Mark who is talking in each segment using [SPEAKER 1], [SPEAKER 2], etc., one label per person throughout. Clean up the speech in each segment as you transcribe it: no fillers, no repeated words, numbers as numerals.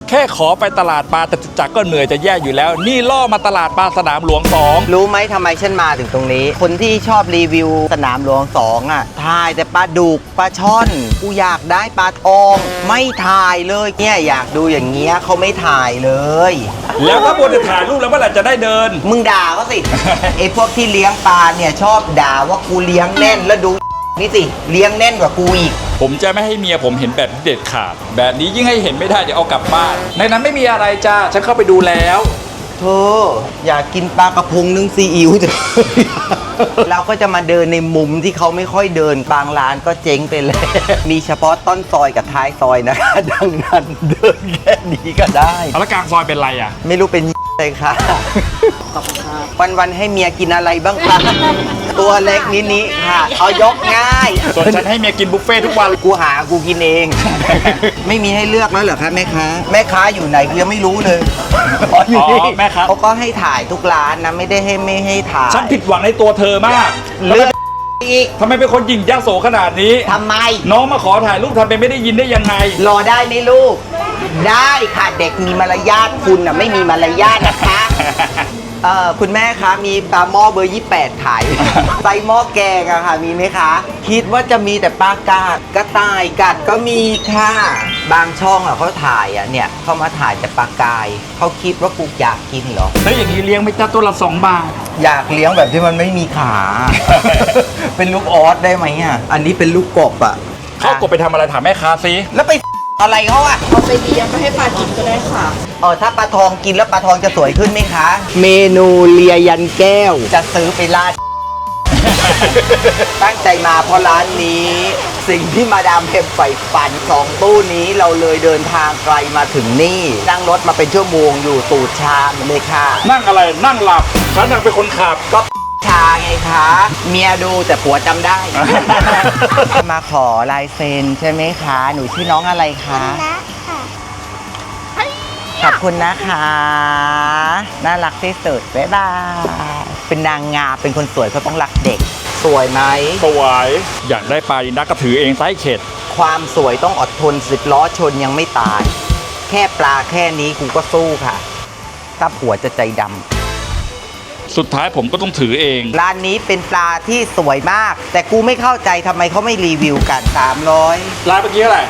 [SPEAKER 1] แค่ขอไปตลาดปลาจตุจักรก็เหนื่อยจะแย่อยู่แล้วนี่ล่อมาตลาดปลาสนามหลวง2
[SPEAKER 2] รู้ไหมทำไมฉันมาถึงตรงนี้ คนที่ชอบรีวิวสนามหลวง2อ่ะถ่ายแต่ปลาดุกปลาช่อนกูอยากได้ปลาทองไม่ถ่ายเลยเนี่ยอยากดูอย่างเงี้ยเขาไม่ถ่ายเลย
[SPEAKER 1] แล้วถ้าบนจะถ่ายรูปแล้วเมื่อไหร่จะได้เดิน
[SPEAKER 2] มึงด่าเขาสิ ไอ้พวกที่เลี้ยงปลาเนี่ยชอบด่าว่ากูเลี้ยงแน่นแล้วดูนี่สิเลี้ยงแน่นกว่ากูอีก
[SPEAKER 1] ผมจะไม่ให้เมียผมเห็นแบบนี้เด็ดขาดแบบนี้ยิ่งให้เห็นไม่ได้เดี๋ยวเอากลับบ้านในนั้นไม่มีอะไรจ้าฉันเข้าไปดูแล้ว
[SPEAKER 2] เธออยากกินปลากระพงนึ่งซีอิ๊วจ้ะ เราก็จะมาเดินในมุมที่เขาไม่ค่อยเดินบางร้านก็เจ๊งไปเลย มีเฉพาะต้นซอยกับท้ายซอยนะคะ ดังนั้นเดินแค่นี้ก็ได้
[SPEAKER 1] แล้วกลางซอยเป็นไรอ่ะ
[SPEAKER 2] ไม่รู้เป็นเลยค่ะ วันๆให้เมียกินอะไรบ้างคะ ตัวเล็กนิดนี้ค่ะ เอายกง่าย
[SPEAKER 1] ส่วนฉันให้เมียกินบุฟเฟ่ทุกวัน
[SPEAKER 2] กูหากูกินเอง ไม่มีให้เลือกแล้วเหรอคะแม่ค้าแม่ค้าอยู่ไหนกูยังไม่รู้เลยอยู่นี่
[SPEAKER 1] แม่ค้า
[SPEAKER 2] เขาก็ให้ถ่ายทุกร้านนะไม่ได้ไม่ให้ถ่าย
[SPEAKER 1] ฉันผิดหวังในตัวเธอมาก
[SPEAKER 2] เลือกอีก
[SPEAKER 1] ทำไมเป็นคนหยิ่งยโสขนาดนี้
[SPEAKER 2] ทำไม
[SPEAKER 1] น้องมาขอถ่ายรูปทำเป็นไม่ได้ยินได้ยังไง
[SPEAKER 2] รอได้ไหมลูก ได้ค่ะเด็กมีมารยาทคุณน่ะไม่มีมารยาทนะคะ คุณแม่คะมีปลาหม้อเบอร์ 28 ขาย ไซส์หม้อแกงอะค่ะมีไหมคะ คิดว่าจะมีแต่ปลากาดกระต่ายกัดก็มีค่ะ บางช่องอะเขาถ่ายอะเนี่ยเขามาถ่ายแต่ปลากายเขาคิดว่ากูอยากกินเหรอ
[SPEAKER 1] แล้วอย่างนี้เลี้ยงไม่จ้าตัวละ2 บาท
[SPEAKER 2] อยากเลี้ยงแบบที่มันไม่มีขา เป็นลูกออสได้ไหมอะอันนี้เป็นลูกกบอะ
[SPEAKER 1] เขากดไปทำอะไรถามแม่ค้าซิ
[SPEAKER 2] แล้วไปอะไรเขาอะ
[SPEAKER 3] เอาไปเลี้ยงไปให้ปลากินก็ได้ค่ะ
[SPEAKER 2] ถ้าปลาทองกินแล้วปลาทองจะสวยขึ้นไหมคะ เมนูเลียยันแก้ว จะซื้อไปราด ตั้งใจมาเพราะร้านนี้ สิ่งที่มาดามเพมใฝ่ฝัน2 ตู้นี้เราเลยเดินทางไกลมาถึงนี่ นั่งรถมาเป็นชั่วโมงอยู่ตูดชามเลยค่ะ
[SPEAKER 1] นั่งอะไรนั่งหลับฉันนั่งเป็นคนขับ
[SPEAKER 2] ก็ชาไงคะ เมียดูแต่ผัวจำได้ มาขอลายเซ็นใช่ไหมคะ หนูชื่อน้องอะไรคะ ขอบคุณนะคะ น่ารักที่สุดบ๊ายบายเป็นนางงามเป็นคนสวยเขาต้องรักเด็ก สวยไหม
[SPEAKER 1] สวยอยากได้ปลาดินดักก็ถือเองไซส์เข็ด
[SPEAKER 2] ความสวยต้องอดทน10 ล้อชนยังไม่ตาย แค่ปลาแค่นี้กูก็สู้ค่ะ ถ้าผัวจะใจดำ
[SPEAKER 1] สุดท้ายผมก็ต้องถือเอง
[SPEAKER 2] ร้านนี้เป็นปลาที่สวยมาก แต่กูไม่เข้าใจทำไมเขาไม่รีวิวกัน 300
[SPEAKER 1] ร้านเมื่อกี้เท่าไหร่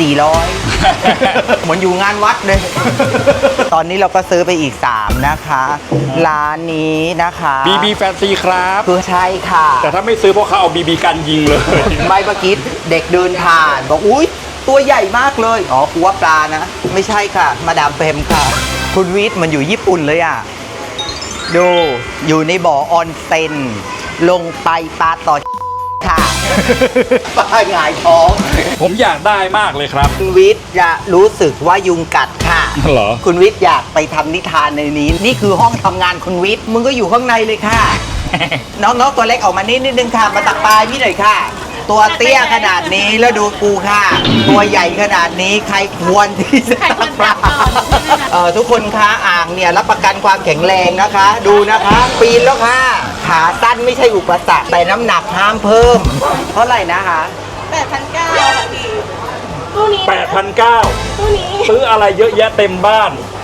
[SPEAKER 2] 400 เหมือนอยู่งานวัดเลย ตอนนี้เราก็ซื้อไปอีก 3 นะคะ ร้านนี้นะคะ
[SPEAKER 1] BB แฟนซีครับ
[SPEAKER 2] คือใช่ค่ะ
[SPEAKER 1] แต่ถ้าไม่ซื้อเพราะเขาเอา BB กันยิงเลย
[SPEAKER 2] ไม่เมื่อกี้เด็กเดินผ่านบอกอุ๊ย ตัวใหญ่มากเลย อ๋อกูว่าปลานะ ไม่ใช่ค่ะ มาดามเปมค่ะ คุณวิทย์มันอยู่ญี่ปุ่นเลยอ่ะ ดูอยู่ในบ่อออนเซ็นลงไปปลาต่อค่ะ ปลาหงายท้อง
[SPEAKER 1] ผมอยากได้มากเลยครับ
[SPEAKER 2] คุณวิทย์จะรู้สึกว่ายุงกัดค่ะ
[SPEAKER 1] เหรอ
[SPEAKER 2] คุณวิทย์อยากไปทำนิทานในนี้ นี่คือห้องทำงานคุณวิทย์มึงก็อยู่ข้างในเลยค่ะ น้องๆตัวเล็กออกมานิดนึงค่ะ มาตักปลาให้พี่หน่อยค่ะ ตัวเตี้ยขนาดนี้แล้วดูกูค่ะ ตัวใหญ่ขนาดนี้ใครควรที่จะตักปลาทุกคนคะอ่างเนี่ยรับประกันความแข็งแรงนะคะ ดูนะคะ ปีนแล้วค่ะ ขาสั้นไม่ใช่อุปสรรคแต่น้ำหนักห้ามเพิ่ม เท่าไหร่นะคะ
[SPEAKER 3] 8,900ค่ะพี่ตู้นี้นะ
[SPEAKER 1] 8,900
[SPEAKER 3] ตู้นี้
[SPEAKER 1] ซื้ออะไรเยอะแยะเต็มบ้าน